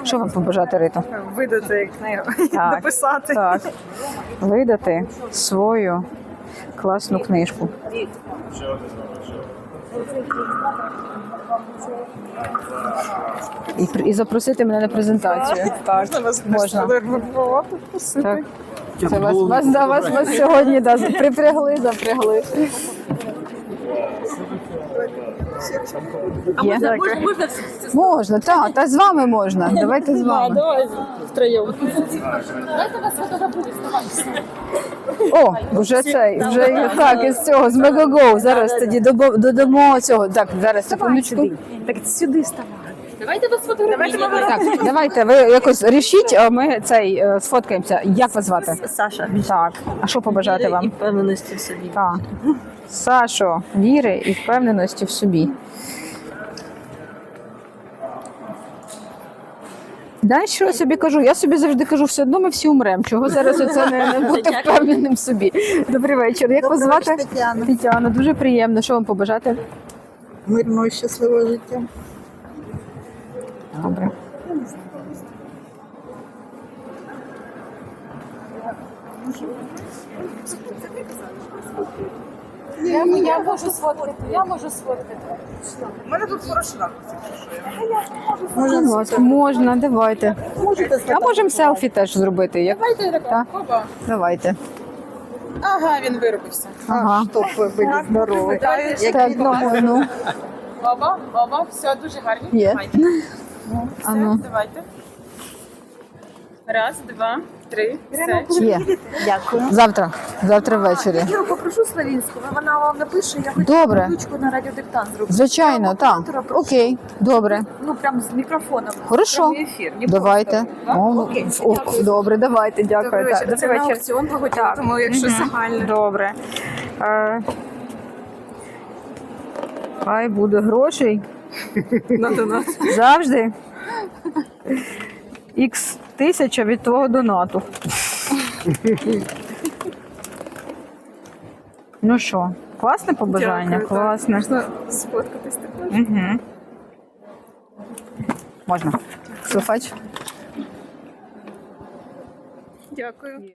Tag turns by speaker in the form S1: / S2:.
S1: Що вам побажати, Рито?
S2: Видати книгу, дописати.
S1: Так. Видати свою класну книжку. І запросити мене на презентацію. Так, можна. Так. Це вас сьогодні запрягли. Є? Можна, так, та з вами можна. Давайте з вами.
S2: Давай втроєм.
S1: О, вже так, із цього, з Мегаго. Зараз тоді додамо цього. Так, зараз, секундочку.
S2: Так сюди ставай. Давайте вас фотографуємо.
S1: Так, давайте, ви якось рішіть, а ми сфоткаємося. Як вас звати?
S2: Саша.
S1: Так, а що побажати вам?
S2: І впевненості в собі.
S1: Так. Сашо, віри і впевненості в собі. Знаєш, що я собі кажу? Я собі завжди кажу, все одно ми всі умремо. Чого зараз оце не бути впевненим в собі? Добрий вечір. Як вас звати?
S3: Тетяна.
S1: Тетяна, дуже приємно. Що вам побажати?
S3: Мирного і щасливого життя.
S1: Добре.
S2: Я можу сфоткати.
S3: У мене тут порошок.
S1: Можна, давайте. А можемо селфі теж зробити. Як? Так? Давайте.
S3: Ага, він виробився.
S1: Ага.
S3: Стоп, ви здоровий.
S1: Так, ну.
S2: Баба, все дуже гарні.
S1: Є.
S2: Все,
S1: Ану.
S2: давайте. Раз, два, три, все.
S1: Є.
S3: Дякую.
S1: Завтра ввечері.
S3: Я попрошу Славінську, вона вам напише, я хочу
S1: Добре.
S3: ручку на радіодиктант зробити.
S1: Звичайно, так. Окей, добре.
S3: Ну, прям з мікрофоном.
S1: Хорошо.
S3: Прямий ефір. Не
S1: Давайте.
S3: просто,
S1: О,
S3: Окей.
S1: добре, давайте, дякую.
S3: Добрий
S1: Так,
S3: вечір. Це на аукціон благодійний, тому якщо загально.
S1: Добре. Хай буде грошей.
S3: На донат.
S1: Завжди. Х 1000 від твого донату. Ну що, класне побажання?
S3: Дякую, так.
S1: Класне.
S3: Можна сфоткатись також.
S1: Угу. Можна. Слухач.
S3: Дякую.